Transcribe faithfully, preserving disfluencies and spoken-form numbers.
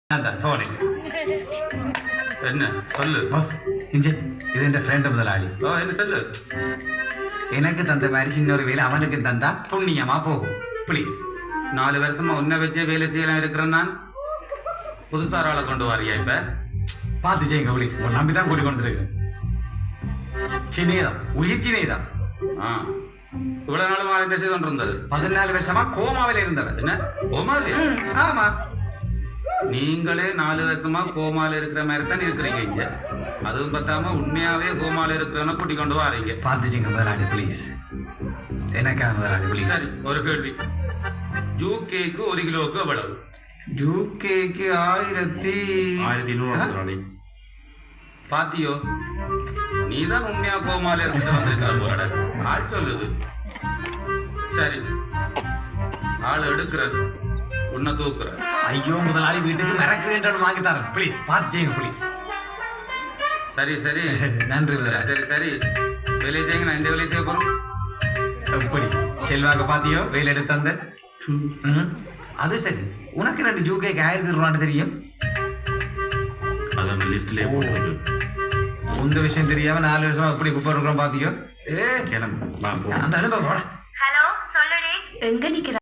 ഫോണിൽ என்ன சொல்லு ബോസ് ഇഞ്ചെ ഇതെന്റെ ഫ്രണ്ട് മുതലാളി ஓ என்ன சொல்லு எனக்கு தந்த மாதிரி சின்ன ஒரு வேலை அவனுக்கு தந்தா புண்ணியமா போகும் ப்ளீஸ். நாலு வருஷமா உன்னை வச்சே வேலை செய்யலாம் இருக்கிறேன் நான் புதுசா ஒரு ஆளை கொண்டு வரியா இப்ப பார்த்து செய்யுங்க ப்ளீஸ். ஒரு நம்பி தான் கூட்டி கொண்டு இருக்கிறேன். சின்னேதான் உயிர் சின்னேதான். ஆ இவ்வளவு நாளும் ஆள் என்ன செய்து கொண்டு இருந்தது பதினாலு வருஷமா கோமாவில இருந்தவர். என்ன கோமாலே ஆமா நீங்களே நாலு வருஷமா கோமால இருக்கிற மாதிரி தான் இருக்கிறீங்க இங்க அதுவும் பார்த்தாம உண்மையாவே கோமால இருக்கிறவன கூட்டி கொண்டு வாரீங்க. பார்த்து செய்யுங்க முதலாளி ப்ளீஸ். எனக்கா முதலாளி ப்ளீஸ். சரி ஒரு கேள்வி ஜூ கேக்கு ஒரு கிலோவுக்கு எவ்வளவு ஜூ கேக்கு ஆயிரத்தி ஆயிரத்தி நூறு பாத்தியோ நீதான் உண்மையா கோமால இருந்துட்டு வந்திருக்கிற போராட ஆள் சொல்லுது. சரி ஆள் எடுக்கிற உன்னை தூக்குற. ஐயோ முதலாளி வீட்டுக்கு மிரக்கிறேன் வாங்கி தரேன் ப்ளீஸ். பார்த்து செய்யுங்க ப்ளீஸ். சரி சரி நன்றி முதலாளி. சரி சரி வேலையை செய்யுங்க நான் இந்த வேலையை செய்ய போறோம். எப்படி செல்வாக்க பாத்தியோ வேலை எடுத்து தந்த. அது சரி உனக்கு ரெண்டு ஜூ கேக்கு ஆயிரத்தி ரூபான்னு தெரியும். அதான் லிஸ்ட்லயே போட்டு இந்த விஷயம் தெரியாம நாலு வருஷமா எப்படி குப்பை இருக்கிறோம் பாத்தியோ. ஏ கிளம்பு அந்த அனுபவம் ஹலோ சொல்லுடி எங்க நிக்கிற